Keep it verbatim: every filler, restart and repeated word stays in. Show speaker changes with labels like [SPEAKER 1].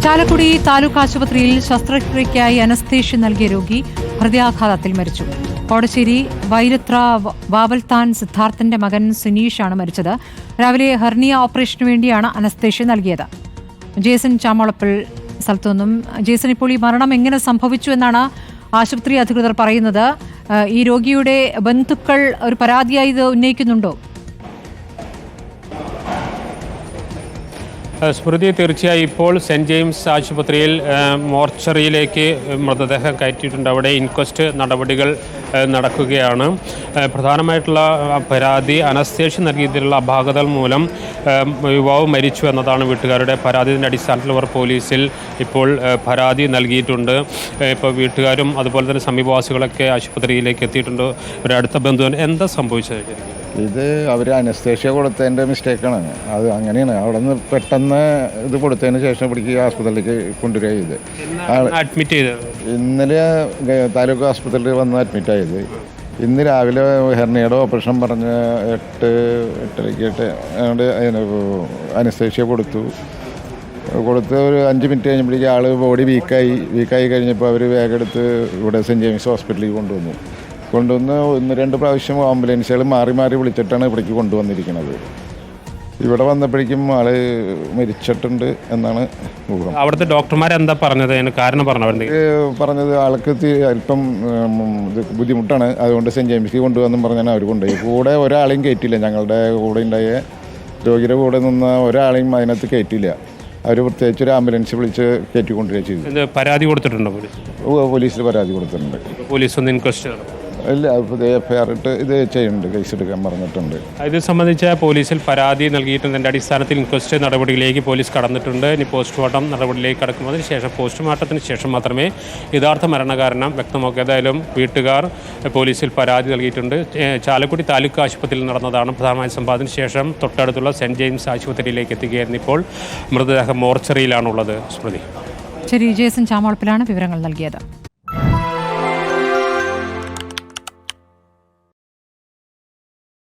[SPEAKER 1] ചാലക്കുടി താലൂക്ക് ആശുപത്രിയിൽ ശസ്ത്രക്രിയയ്ക്കായി അനസ്തേഷ്യ നൽകിയ രോഗി ഹൃദയാഘാതത്തിൽ മരിച്ചു. കോടശ്ശേരി വൈരത്ര വാവൽത്താൻ സിദ്ധാർത്ഥന്റെ മകൻ സുനീഷാണ് മരിച്ചത്. രാവിലെ ഹെർണിയ ഓപ്പറേഷനു വേണ്ടിയാണ് അനസ്തേഷ്യ നൽകിയത്. ജേസൺ ചാമോളപ്പിൽ സ്ഥലത്തു നിന്നും. ജേസൺ, ഇപ്പോൾ ഈ മരണം എങ്ങനെ സംഭവിച്ചു എന്നാണ് ആശുപത്രി അധികൃതർ പറയുന്നത്? ഈ രോഗിയുടെ ബന്ധുക്കൾ ഒരു പരാതിയായി ഇത് ഉന്നയിക്കുന്നുണ്ടോ?
[SPEAKER 2] സ്മൃതി, തീർച്ചയായും ഇപ്പോൾ സെൻറ്റ് ജെയിംസ് ആശുപത്രിയിൽ മോർച്ചറിയിലേക്ക് മൃതദേഹം കയറ്റിയിട്ടുണ്ട്. അവിടെ ഇൻക്വസ്റ്റ് നടപടികൾ നടക്കുകയാണ്. പ്രധാനമായിട്ടുള്ള പരാതി അനസ്തേഷ്യ നൽകിയതിലുള്ള അപാകതകൾ മൂലം യുവാവ് മരിച്ചു എന്നതാണ് വീട്ടുകാരുടെ പരാതിയുടെ അടിസ്ഥാനത്തിൽ അവർ പോലീസിൽ ഇപ്പോൾ പരാതി നൽകിയിട്ടുണ്ട്. ഇപ്പോൾ വീട്ടുകാരും അതുപോലെ തന്നെ സമീപവാസികളൊക്കെ ആശുപത്രിയിലേക്ക് എത്തിയിട്ടുണ്ട്. ഒരു അടുത്ത ബന്ധുവിന് എന്താ സംഭവിച്ചത്?
[SPEAKER 3] ഇത് അവർ അനസ്തേഷ്യ കൊടുത്തതിൻ്റെ മിസ്റ്റേക്കാണ്. അത് അങ്ങനെയാണ്. അവിടെ നിന്ന് പെട്ടെന്ന് ഇത് കൊടുത്തതിന് ശേഷം ഇവിടേക്ക് ആസ്പത്രിയിലേക്ക് കൊണ്ടുവരിക ചെയ്ത്
[SPEAKER 2] അഡ്മിറ്റ് ചെയ്ത്
[SPEAKER 3] ഇന്നലെ താലൂക്ക് ആസ്പത്രിയിൽ വന്ന് അഡ്മിറ്റ് ആയത്. ഇന്ന് രാവിലെ ഹെർണിയുടെ ഓപ്പറേഷൻ പറഞ്ഞ് എട്ട് എട്ടരയ്ക്ക് അതുകൊണ്ട് അതിന് അനസ്തേഷ്യ കൊടുത്തു കൊടുത്ത് ഒരു അഞ്ച് മിനിറ്റ് കഴിഞ്ഞപ്പോഴേക്കും ആൾ ബോഡി വീക്കായി വീക്കായി കഴിഞ്ഞപ്പോൾ അവർ വേഗം എടുത്ത് ഇവിടെ സെൻറ്റ് ജെയിംസ് ഹോസ്പിറ്റലിൽ കൊണ്ടുവന്നു കൊണ്ടുവന്ന് ഒന്ന് രണ്ട് പ്രാവശ്യം ആംബുലൻസുകൾ മാറി മാറി വിളിച്ചിട്ടാണ് ഇവിടേക്ക് കൊണ്ടുവന്നിരിക്കുന്നത്. ഇവിടെ വന്നപ്പോഴേക്കും ആള് മരിച്ചിട്ടുണ്ട് എന്നാണ് ഊഹം.
[SPEAKER 2] അവിടുത്തെ ഡോക്ടർമാർ എന്താ പറഞ്ഞത്? കാരണം പറഞ്ഞു
[SPEAKER 3] പറഞ്ഞത് ആൾക്ക് അല്പം ഇത് ബുദ്ധിമുട്ടാണ്, അതുകൊണ്ട് സെൻറ്റ് ജെയിംസിൽ കൊണ്ടുവന്നും പറഞ്ഞാൽ അവർ കൊണ്ടുപോയി. കൂടെ ഒരാളെയും കയറ്റില്ല. ഞങ്ങളുടെ കൂടെ ഉണ്ടായ രോഗിയുടെ കൂടെ നിന്ന ഒരാളെയും അതിനകത്ത് കയറ്റില്ല. അവർ പ്രത്യേകിച്ച് ഒരു ആംബുലൻസ് വിളിച്ച് കയറ്റിക്കൊണ്ടുവരിക ചെയ്തു.
[SPEAKER 2] പരാതി കൊടുത്തിട്ടുണ്ടോ?
[SPEAKER 3] പോലീസിൽ പരാതി കൊടുത്തിട്ടുണ്ട്.
[SPEAKER 2] പോലീസ് ഒന്ന് ഇൻക്വസ്റ്റ്
[SPEAKER 3] ഇല്ല, എഫ് ഐ ആർ ഇട്ട് ഇത് ചെയ്യുന്നുണ്ട്, കേസ് എടുക്കാൻ പറഞ്ഞിട്ടുണ്ട്.
[SPEAKER 2] ഇത് സംബന്ധിച്ച് പോലീസിൽ പരാതി നൽകിയിട്ടുണ്ട്. അടിസ്ഥാനത്തിൽ ഇൻക്വസ്റ്റ് നടപടികളിലേക്ക് പോലീസ് കടന്നിട്ടുണ്ട്. ഇനി പോസ്റ്റ്മോർട്ടം നടപടിയിലേക്ക് കടക്കുന്നതിന് ശേഷം പോസ്റ്റ്മോർട്ടത്തിന് ശേഷം മാത്രമേ യഥാർത്ഥ മരണകാരണം വ്യക്തമാക്കൂ. ഏതായാലും വീട്ടുകാർ പോലീസിൽ പരാതി നൽകിയിട്ടുണ്ട്. ചാലക്കുടി താലൂക്ക് ആശുപത്രിയിൽ നടന്നതാണ് പ്രധാനമായ സംഭവത്തിന് ശേഷം തൊട്ടടുത്തുള്ള സെൻറ്റ് ജെയിംസ് ആശുപത്രിയിലേക്ക് എത്തുകയായിരുന്നു. ഇപ്പോൾ മൃതദേഹം മോർച്ചറിയിലാണുള്ളത്. സ്മൃതി.
[SPEAKER 1] ശരി, ജേസൺ ചാമോളപ്പിലാണ് വിവരങ്ങൾ നൽകിയത്.